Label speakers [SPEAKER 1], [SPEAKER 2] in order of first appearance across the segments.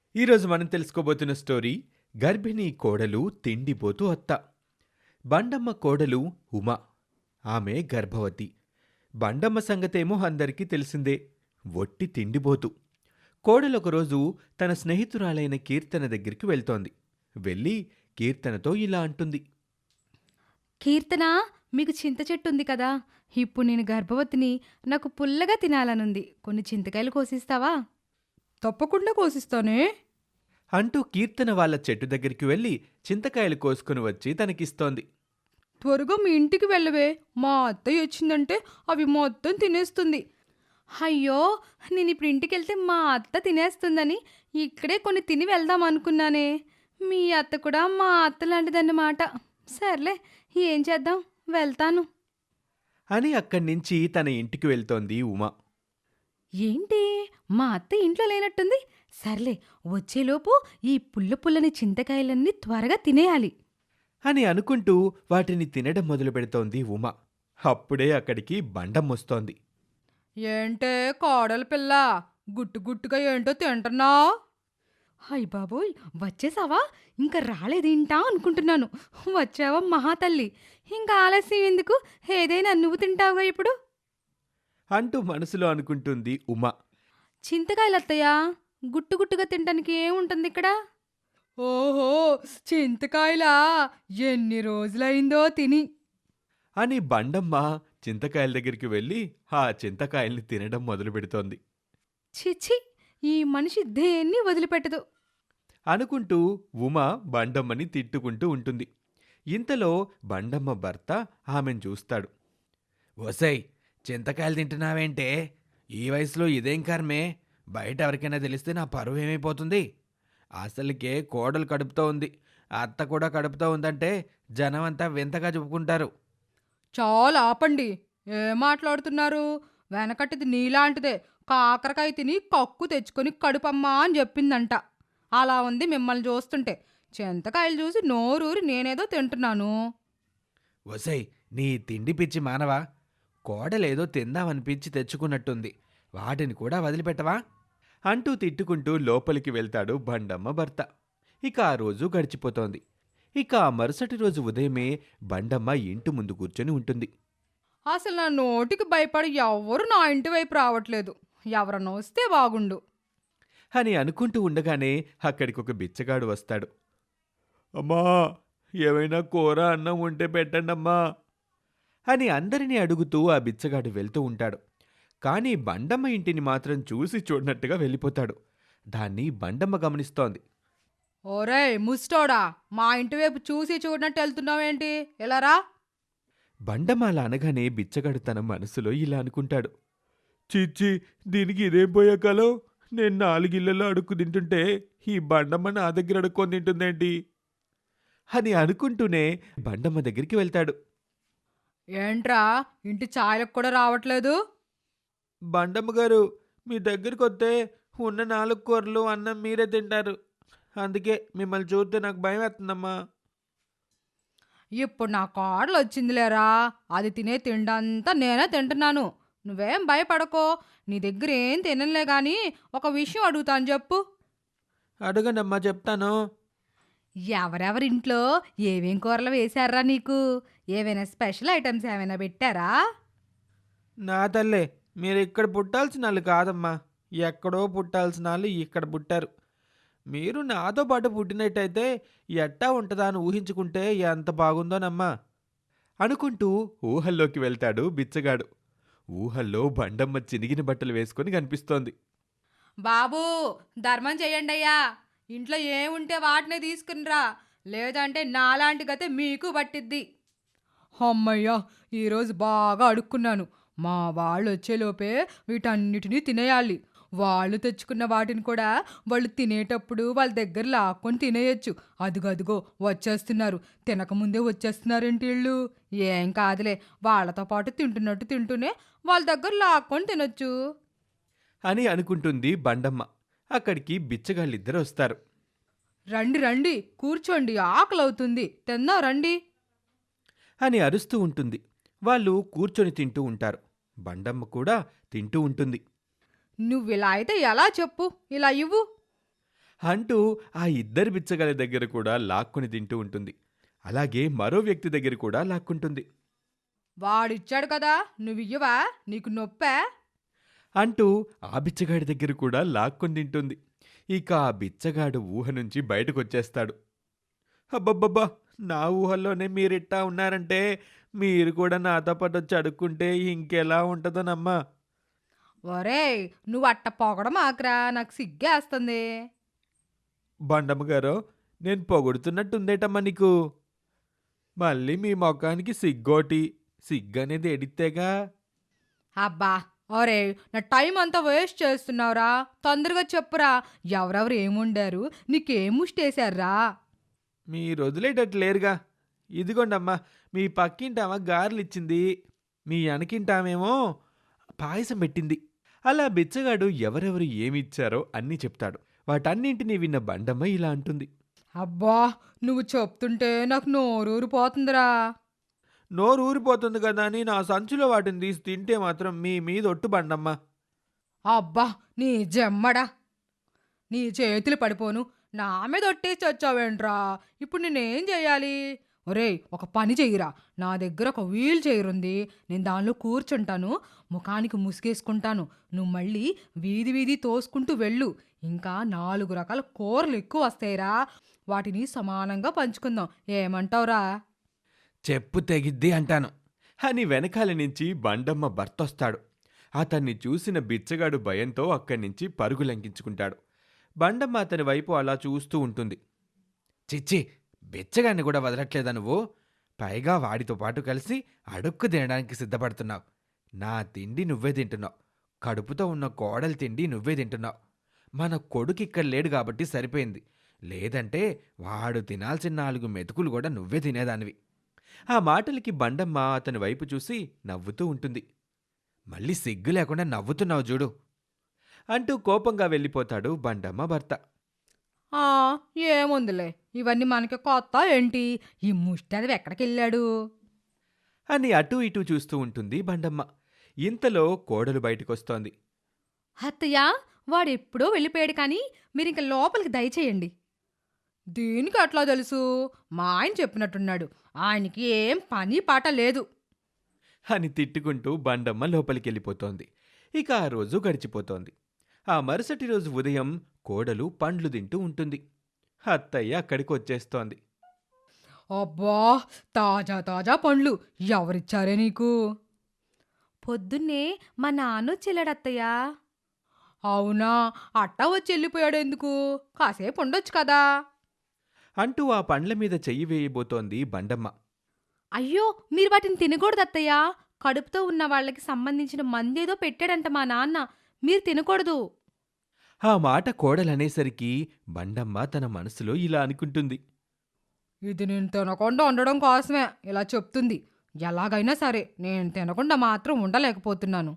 [SPEAKER 1] ఈరోజు మనం తెలుసుకోబోతున్న స్టోరీ గర్భిణీ కోడలు తిండిపోతూ అత్త. బండమ్మ కోడలు ఉమ. ఆమె గర్భవతి. బండమ్మ సంగతేమో అందరికీ తెలిసిందే. ఒట్టి తిండిపోతు. కోడలొకరోజు తన స్నేహితురాలైన కీర్తన దగ్గరికి వెళ్తోంది. వెళ్ళి కీర్తనతో ఇలా అంటుంది.
[SPEAKER 2] కీర్తన, మీకు చింత చెట్టు ఉంది కదా? ఇప్పుడు నేను గర్భవతిని. నాకు పుల్లగా తినాలనుంది. కొన్ని చింతకాయలు కోసిస్తావా? తప్పకుండా కోసిస్తానే.
[SPEAKER 1] అంటూ కీర్తన వాళ్ళ చెట్టు దగ్గరికి వెళ్ళి చింతకాయలు కోసుకుని వచ్చి తనకిస్తోంది.
[SPEAKER 2] త్వరగా మీ ఇంటికి వెళ్ళవే. మా అత్తయ్య వచ్చిందంటే అవి మొత్తం తినేస్తుంది. అయ్యో, నేను ఇప్పుడు ఇంటికి వెళ్తే మా అత్త తినేస్తుందని ఇక్కడే కొన్ని తిని వెళ్దాం అనుకున్నానే. మీ అత్త కూడా మా అత్త లాంటిదన్నమాట. సర్లే, ఏం చేద్దాం, వెళ్తాను.
[SPEAKER 1] అని అక్కడ్నించి తన ఇంటికి వెళ్తోంది ఉమ.
[SPEAKER 2] ఏంటి, మా అత్త ఇంట్లో లేనట్టుంది. సర్లే, వచ్చేలోపు ఈ పుల్ల పుల్లని చింతకాయలన్నీ త్వరగా తినేయాలి.
[SPEAKER 1] అని అనుకుంటూ వాటిని తినడం మొదలు పెడుతోంది ఉమ. అప్పుడే అక్కడికి బండమ్మొస్తోంది.
[SPEAKER 2] ఏంటే కోడలి పిల్ల, గుట్టు గుట్టుగా ఏంటో తింటున్నావు? హై బాబోయ్, వచ్చేసావా? ఇంకా రాలేదేంటా అనుకుంటున్నాను. వచ్చావా మహాతల్లి? ఇంకా ఆలస్యం ఎందుకు? ఏదైనా నువ్వు తింటావుగా ఇప్పుడు.
[SPEAKER 1] అంటూ మనసులో అనుకుంటుంది ఉమ.
[SPEAKER 2] చింతకాయలత్తయ్యా, గుట్టు గుట్టుగా తినడానికి ఏముంటుంది ఇక్కడ? ఓహో, చింతకాయలా? ఎన్ని రోజులైందో తిని.
[SPEAKER 1] అని బండమ్మ చింతకాయల దగ్గరికి వెళ్ళి ఆ చింతకాయల్ని తినడం మొదలు పెడుతోంది.
[SPEAKER 2] చిచి, ఈ మనిషి దేన్ని వదిలిపెట్టదు.
[SPEAKER 1] అనుకుంటూ ఉమ బండమ్మని తిట్టుకుంటూ ఉంటుంది. ఇంతలో బండమ్మ భర్త ఆమెను చూస్తాడు. ఓసై, చింతకాయలు తింటున్నావేంటే? ఈ వయసులో ఇదేం కర్మే? బయట ఎవరికైనా తెలిస్తే నా పరువు ఏమైపోతుంది? అసలుకే కోడలు కడుపుతో ఉంది, అత్త కూడా కడుపుతో ఉందంటే జనం అంతా వింతగా చెప్పుకుంటారు.
[SPEAKER 2] చాలా ఆపండి. ఏం మాట్లాడుతున్నారు? వెనకటిది నీలాంటిదే. కాకరకాయ తిని కక్కు తెచ్చుకొని కడుపమ్మా అని చెప్పిందంట. అలా ఉంది మిమ్మల్ని చూస్తుంటే. చింతకాయలు చూసి నోరూరి నేనేదో తింటున్నాను.
[SPEAKER 1] ఒసై, నీ తిండి పిచ్చి మానవా? కోడలేదో తిందామనిపించి తెచ్చుకున్నట్టుంది, వాటిని కూడా వదిలిపెట్టవా? అంటూ తిట్టుకుంటూ లోపలికి వెళ్తాడు బండమ్మ భర్త. ఇక ఆ రోజు గడిచిపోతోంది. ఇక ఆ మరుసటి రోజు ఉదయమే బండమ్మ ఇంటి ముందు కూర్చొని ఉంటుంది.
[SPEAKER 2] అసలు నా నోటికి భయపడి ఎవ్వరు నా ఇంటి వైపు రావట్లేదు. ఎవరన్నా వస్తే బాగుండు.
[SPEAKER 1] అని అనుకుంటూ ఉండగానే అక్కడికొక బిచ్చగాడు వస్తాడు. అమ్మా, ఏమైనా కూర అన్నం ఉంటే పెట్టండమ్మా అని అందరినీ అడుగుతూ ఆ బిచ్చగాడు వెళ్తూ ఉంటాడు. కానీ బండమ్మ ఇంటిని మాత్రం చూసి చూడనట్టుగా వెళ్ళిపోతాడు. దాన్ని బండమ్మ గమనిస్తోంది.
[SPEAKER 2] ఓరేయ్ ముస్టోడా, మా ఇంటి వైపు చూసి చూడనట్టు వెళ్తున్నావేంటి? ఎలారా?
[SPEAKER 1] బండమ్మ అలా అనగానే బిచ్చగాడు తన మనసులో ఇలా అనుకుంటాడు. చిచ్చి, దీనికి ఇదేం పోయే కాలం? నేను 4 ఇళ్లలో అడుక్కు తింటుంటే ఈ బండమ్మ నా దగ్గర అడుక్కొని తింటుందేంటి అని అనుకుంటూనే బండమ్మ దగ్గరికి వెళ్తాడు.
[SPEAKER 2] ఏంట్రా, ఇంటి ఛాయలకు కూడా రావట్లేదు?
[SPEAKER 1] బండమ్మ గారు, మీ దగ్గరికి వస్తే ఉన్న 4 కూరలు అన్నం మీరే తింటారు. అందుకే మిమ్మల్ని చూస్తే నాకు భయం వేస్తుందమ్మా.
[SPEAKER 2] ఇప్పుడు నా కోడలు వచ్చిందిలేరా. అది తినే తిండంతా నేనే తింటున్నాను. నువ్వేం భయపడకో. నీ దగ్గర ఏం తినలే గాని ఒక విషయం అడుగుతాను, చెప్పు.
[SPEAKER 1] అడగండమ్మా, చెప్తాను.
[SPEAKER 2] ఎవరెవరింట్లో ఏమేం కూరలు వేశారా నీకు? ఏవైనా స్పెషల్ ఐటమ్స్ ఏమైనా పెట్టారా?
[SPEAKER 1] నా తల్లే, మీరు ఇక్కడ పుట్టాల్సిన వాళ్ళు కాదమ్మా. ఎక్కడో పుట్టాల్సిన వాళ్ళు ఇక్కడ పుట్టారు. మీరు నాతో పాటు పుట్టినట్టయితే ఎట్టా ఉంటుందా అని ఊహించుకుంటే ఎంత బాగుందోనమ్మా అనుకుంటూ ఊహల్లోకి వెళ్తాడు బిచ్చగాడు. ఊహల్లో బండమ్మ చినిగిన బట్టలు వేసుకొని కనిపిస్తోంది.
[SPEAKER 2] బాబూ, ధర్మం చెయ్యండి అయ్యా. ఇంట్లో ఏముంటే వాటినే తీసుకునిరా, లేదంటే నాలాంటి గతే మీకు పట్టిద్ది. అమ్మయ్యా, ఈరోజు బాగా అడుక్కున్నాను. మా వాళ్ళు వచ్చేలోపే వీటన్నిటినీ తినేయాలి. వాళ్ళు తెచ్చుకున్న వాటిని కూడా వాళ్ళు తినేటప్పుడు వాళ్ళ దగ్గర లాక్కొని తినేయచ్చు. అదిగో వచ్చేస్తున్నారు. తినకముందే వచ్చేస్తున్నారేంటి వీళ్ళు? ఏం కాదులే, వాళ్ళతో పాటు తింటున్నట్టు తింటూనే వాళ్ళ దగ్గర లాక్కొని తినొచ్చు.
[SPEAKER 1] అని అనుకుంటుంది బండమ్మ. అక్కడికి బిచ్చగాళ్ళిద్దరు వస్తారు.
[SPEAKER 2] రండి రండి, కూర్చోండి, ఆకలవుతుంది, తిందాం రండి.
[SPEAKER 1] అని అరుస్తూ ఉంటుంది. వాళ్ళు కూర్చొని తింటూ ఉంటారు. బండమ్మ కూడా తింటూ ఉంటుంది.
[SPEAKER 2] నువ్విలా అయితే ఎలా చెప్పు, ఇలా ఇవ్వు.
[SPEAKER 1] అంటూ ఆ ఇద్దరి బిచ్చగాళ్ళ దగ్గర కూడా లాక్కుని తింటూ ఉంటుంది. అలాగే మరో వ్యక్తి దగ్గర కూడా లాక్కుంటుంది.
[SPEAKER 2] వాడిచ్చాడు కదా నువ్వియ్యవా? నీకు నొప్పా?
[SPEAKER 1] అంటూ ఆ బిచ్చగాడి దగ్గర కూడా లాక్కొని తింటుంది. ఇక ఆ బిచ్చగాడు ఊహ నుంచి బయటకొచ్చేస్తాడు. అబ్బబ్బబ్బా! నా ఊహల్లోనే మీరిట్టా ఉన్నారంటే మీరు కూడా నాతో పాటు వచ్చి అడుక్కుంటే ఇంకెలా ఉంటుందోనమ్మా.
[SPEAKER 2] ఒరేయ్, నువ్వు అట్ట పొగడమాకురా, నాకు సిగ్గేస్తుంది.
[SPEAKER 1] బండమ్మ గారు, నేను పొగుడుతున్నట్టుందేటమ్మా నీకు. మళ్ళీ మీ మొఖానికి సిగ్గోటి. సిగ్గనేది ఎడితేగా.
[SPEAKER 2] అబ్బా! ఒరేయ్, నా టైం అంతా వేస్ట్ చేస్తున్నావురా. తొందరగా చెప్పురా, ఎవరెవరు ఏముండారు, నీకేం ముష్టేశారా?
[SPEAKER 1] మీరు వదిలేటట్టు లేరుగా. ఇదిగోండమ్మా మీ పక్కింటామ గారెలిచ్చింది. మీ వెనకింటామేమో పాయసం పెట్టింది. అలా బిచ్చగాడు ఎవరెవరు ఏమిచ్చారో అన్నీ చెప్తాడు. వాటన్నింటినీ విన్న బండమ్మ ఇలా అంటుంది.
[SPEAKER 2] అబ్బా! నువ్వు చెప్తుంటే నాకు నోరూరిపోతుందిరా.
[SPEAKER 1] నోరు ఊరిపోతుంది కదా అని నా సంచిలో వాటిని తీసి తింటే మాత్రం మీ మీద ఒట్టు బండమ్మ.
[SPEAKER 2] అబ్బా! నీ జమ్మడా! నీ చేతులు పడిపోను. నా మీద ఒట్టేసి చచ్చావేంట్రా? ఇప్పుడు నేనేం చేయాలి? ఒరేయ్, ఒక పని చెయ్యిరా. నా దగ్గర ఒక వీల్ చైర్ ఉంది. నేను దానిలో కూర్చుంటాను. ముఖానికి ముసుగేసుకుంటాను. నువ్వు మళ్ళీ వీధి వీధి తోసుకుంటూ వెళ్ళు. ఇంకా 4 రకాల కూరలు ఎక్కువ వస్తాయిరా. వాటిని సమానంగా పంచుకుందాం. ఏమంటావురా?
[SPEAKER 1] చెప్పు తెగిద్ది అంటాను అని వెనకాల నుంచి బండమ్మ భర్తొస్తాడు. అతన్ని చూసిన బిచ్చగాడు భయంతో అక్కడి నుంచి పరుగు లంకించుకుంటాడు. బండమ్మ అతని వైపు అలా చూస్తూ ఉంటుంది. చిచ్చి, బిచ్చగాన్ని కూడా వదలట్లేదా నువ్వు? పైగా వాడితో పాటు కలిసి అడుక్కు తినడానికి సిద్ధపడుతున్నావు. నా తిండి నువ్వే తింటున్నావు. కడుపుతో ఉన్న కోడలి తిండి నువ్వే తింటున్నావు. మన కొడుకు ఇక్కడ లేడు కాబట్టి సరిపోయింది. లేదంటే వాడు తినాల్సిన 4 మెతుకులు కూడా నువ్వే తినేదానివి. ఆ మాటలకి బండమ్మ అతని వైపు చూసి నవ్వుతూ ఉంటుంది. మళ్ళీ సిగ్గు లేకుండా నవ్వుతున్నావు చూడు అంటూ కోపంగా వెళ్ళిపోతాడు బండమ్మ భర్త.
[SPEAKER 2] ఆ, ఏముందిలే, ఇవన్నీ మనకి కొత్త ఏంటి? ఈ ముష్టది ఎక్కడికెళ్ళాడు?
[SPEAKER 1] అని అటూ ఇటూ చూస్తూ ఉంటుంది బండమ్మ. ఇంతలో కోడలు బయటకొస్తోంది.
[SPEAKER 2] అత్తయ్య, వాడెప్పుడో వెళ్ళిపోయాడు కానీ మీరింక లోపలికి దయచేయండి. దీనికి అట్లా తెలుసు? మా ఆయన చెప్పినట్టున్నాడు. ఆయనకి ఏం పని పాట లేదు.
[SPEAKER 1] అని తిట్టుకుంటూ బండమ్మ లోపలికెళ్ళిపోతోంది. ఇక ఆ రోజు గడిచిపోతోంది. ఆ మరుసటి రోజు ఉదయం కోడలు పండ్లు తింటూ ఉంటుంది. అత్తయ్య అక్కడికి వచ్చేస్తోంది.
[SPEAKER 2] అబ్బా! తాజా తాజా పండ్లు ఎవరిచ్చారే నీకు? పొద్దున్నే మా నాన్న వచ్చేళ్ళాడత్తయ్యా. అవునా? అట్టా వచ్చి వెళ్ళిపోయాడు ఎందుకు? కాసేపు ఉండొచ్చు కదా.
[SPEAKER 1] అంటూ ఆ పండ్ల మీద చెయ్యి వేయబోతోంది బండమ్మ.
[SPEAKER 2] అయ్యో, మీరు వాటిని తినకూడదత్తయ్యా. కడుపుతో ఉన్న వాళ్ళకి సంబంధించిన మందేదో పెట్టాడంట మా నాన్న. మీరు తినకూడదు.
[SPEAKER 1] ఆ మాట కోడలనేసరికి బండమ్మ తన మనసులో ఇలా అనుకుంటుంది.
[SPEAKER 2] ఇది నేను తినకుండా ఉండడం కోసమే ఇలా చెప్తుంది. ఎలాగైనా సరే నేను తినకుండా మాత్రం ఉండలేకపోతున్నాను.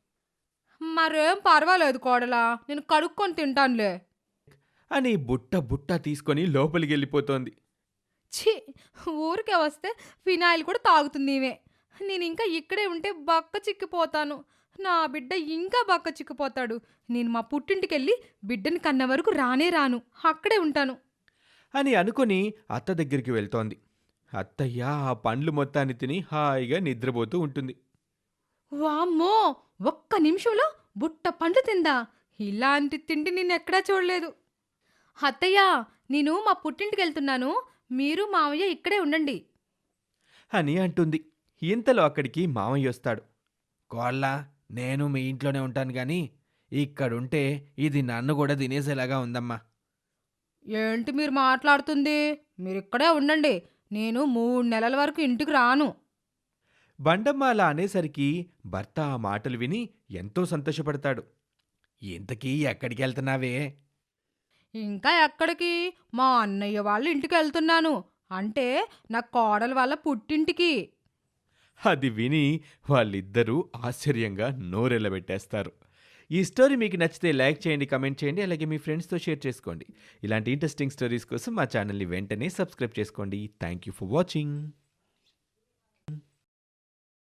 [SPEAKER 2] మరేం పర్వాలేదు కోడలా, నేను కడుక్కొని తింటానులే.
[SPEAKER 1] అని బుట్ట బుట్ట తీసుకొని లోపలికెళ్ళిపోతోంది.
[SPEAKER 2] ఛీ! ఊరికే వస్తే ఫినాయిల్ కూడా తాగుతుంది ఈమె. నేను ఇంకా ఇక్కడే ఉంటే బక్క చిక్కిపోతాను. నా బిడ్డ ఇంకా బక్క చిక్కిపోతాడు. నేను మా పుట్టింటికెళ్ళి బిడ్డని కన్న వరకు రానే రాను. అక్కడే ఉంటాను.
[SPEAKER 1] అని అనుకొని అత్త దగ్గరికి వెళ్తోంది. అత్తయ్య ఆ పండ్లు మొత్తాన్ని తిని హాయిగా నిద్రపోతూ ఉంటుంది.
[SPEAKER 2] వామ్మో! ఒక్క నిమిషంలో బుట్ట పండ్లు తిందా? ఇలాంటి తిండి నేనెక్కడా చూడలేదు. అత్తయ్య, నేను మా పుట్టింటికెళ్తున్నాను. మీరు మావయ్య ఇక్కడే ఉండండి.
[SPEAKER 1] అని అంటుంది. ఇంతలో అక్కడికి మామయ్య వస్తాడు. కోళ్ళ, నేను మీ ఇంట్లోనే ఉంటాను గాని ఇక్కడుంటే ఇది నన్ను కూడా తినేసేలాగా ఉందమ్మా.
[SPEAKER 2] ఏంటి మీరు మాట్లాడుతుంది? మీరిక్కడే ఉండండి. నేను 3 నెలల వరకు ఇంటికి రాను.
[SPEAKER 1] బండమ్మ అలా అనేసరికి భర్త ఆ మాటలు విని ఎంతో సంతోషపడతాడు. ఇంతకీ ఎక్కడికి వెళ్తున్నావే?
[SPEAKER 2] ఇంకా ఎక్కడికి? మా అన్నయ్య వాళ్ళ ఇంటికెళ్తున్నాను. అంటే నా కోడలు వాళ్ళ పుట్టింటికి.
[SPEAKER 1] అది విని వాళ్ళిద్దరూ ఆశ్చర్యంగా నోరెళ్ళబెట్టేస్తారు. ఈ స్టోరీ మీకు నచ్చితే లైక్ చేయండి, కమెంట్ చేయండి, అలాగే మీ ఫ్రెండ్స్తో షేర్ చేసుకోండి. ఇలాంటి ఇంట్రెస్టింగ్ స్టోరీస్ కోసం మా ఛానల్ని వెంటనే సబ్స్క్రైబ్ చేసుకోండి. Thank you for watching.